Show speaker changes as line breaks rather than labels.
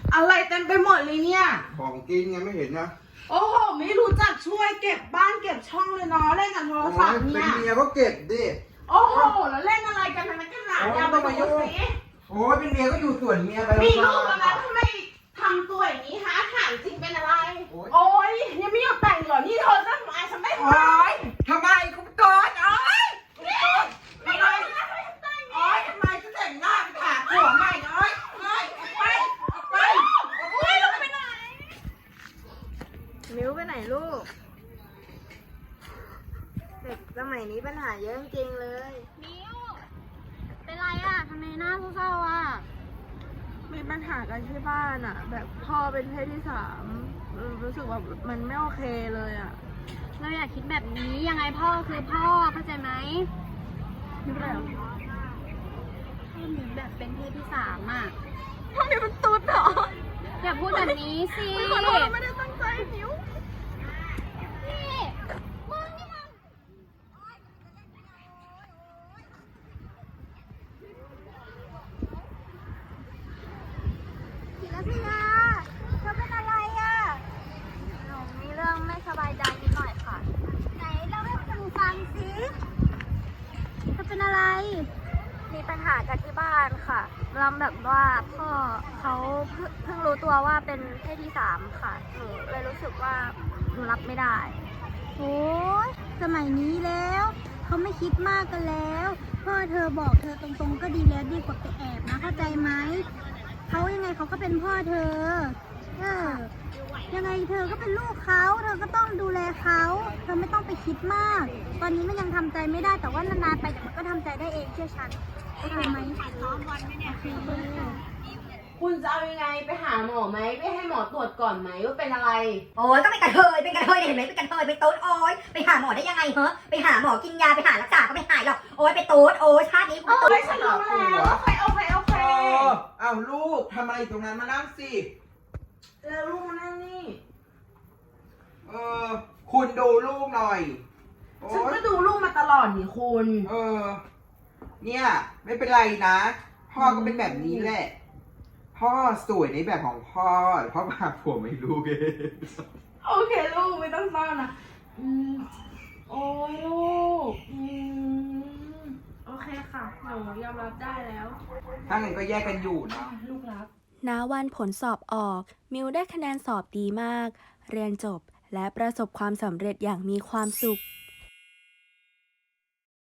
อะไรเต็มไปหมดเลยเนี่ย
ของกินไงไม่เห็นนะ
โอ้โหไม่รู้จักช่วยเก็บบ้านเก็บช่องเลยเนาะเล่นกับโทรศัพท์
เป็
เนี่ย
นเมียก็เก็บดิ
โอ้โหแล้วเล่นอะไรกันนักหนาอย่ามาดูสิ
โอ้ยเป็นเมียก็อยู่ส่วนเมียไป
มีลูกแล้วนะทำไมทำตัวอย่างนี้ฮะถามจริงเป็นอะไรโอ้ยยังไม่ยอมแต่งเหรอนี่เธอจะทำไมฉันไม่ทำ
ทำไมกูโกรธโอ้ยทำไมโอ้ยทำไมฉันแต่งหน้าไปถากหัวใหม่โอ้ยโอ้ยไปไปโอ้ยแล้วไปไหน
มิ้วไปไหนลูก เด็กสมัยนี้ปัญหาเยอะจริงเลย
มิ้วเป็นไรอ่ะทำไมหน้าเศร้าๆอ่ะ
มีปัญหากันที่บ้านอ่ะ แบบพ่อเป็นเพศที่สามรู้สึกว่ามันไม่โอเคเลยอ่ะ
เราอยากคิดแบบนี้ยังไงพ่อคือพ่อเข้าใจไหม
นี่เป็นไรอ่ะ
พ่อมีแบบเป็นเพศที่สามอ่ะ
พ่อมีมันตุ๊ดเหรอ
อย่าพูดแบบนี้สิ
ขอโทษเราไม่ได้ตั้งใจมิ้ว
นี่มึงนี่มัน
ศิลปิยาเธอเป็นอะไรอ่ะหนูมีเรื่องไม่สบายใจนิดหน่อยค่ะไหนเล่าให้คุณฟังสิเธอเป็นอะไร มีปัญหากันที่บ้านค่ะเราแบบว่าพ่อเขาเพิ่งรู้ตัวว่าเป็นเพศที่สามค่ะหนูเลยรู้สึกว่าหนูรับไม่ได้โอ้ยสมัยนี้แล้วเขาไม่คิดมากกันแล้วพ่อเธอบอกเธอตรงๆก็ดีแล้วดีกว่าไปแอบนะเข้าใจไหมเขายังไงเขาก็เป็นพ่อเธอยังไงเธอก็เป็นลูกเขาเธอก็ต้องดูแลเขาเธอไม่ต้องไปคิดมาก ตอนนี้มันยังทำใจไม่ได้แต่ว่านานๆไปเดี๋ยวมันก็ทำใจได้เองเชื่อฉันโอเคไหมซ้อมวันไหมเนี่ย
คุณจะเอายังไงไปหาหมอไหมไปให้หมอตรวจก่อนไหมว่าเป็นอะไร
โอ้ยก็เป็นกระเทยเนี่ยเห็นไหมเป็นกระเทยเป็นตุ๊ดโอ้ยไปหาหมอได้ยังไงเหรอไปหาหมอกินยาไปหารักษาก็ไม่หายหรอกโอ้ยไปตุ๊ดโอ้ยชาตินี้กู
โอ้
ตุ๊ด
ยฉันรู้แล้วโอเคโอเคโอเค
อ้าวลูกทำอะไรตรงนั้นมานั่งสิ
แล้วลูกมานั่งนี่
เออคุณดูลูกหน่อยโอ้
ฉัน
ย
ก็ดูลูกมาตลอดนี่คุณ
เนี่ยไม่เป็นไรนะ พ่อก็เป็นแบบนี้แหละ พ่อสวยในแบบของพ่อแต่พ่อพาผัวไม่รู้เอง
โอเคลูกไม่ต้องเศร้านะโอ้ยลูกโอเคค่ะหนูยอมรับได้แล้ว
ถ้างั้นก็แยกกันอยู่นะ
ลูกรัก
ณ วันผลสอบออก มิวได้คะแนนสอบดีมาก เรียนจบและประสบความสำเร็จอย่างมีความสุข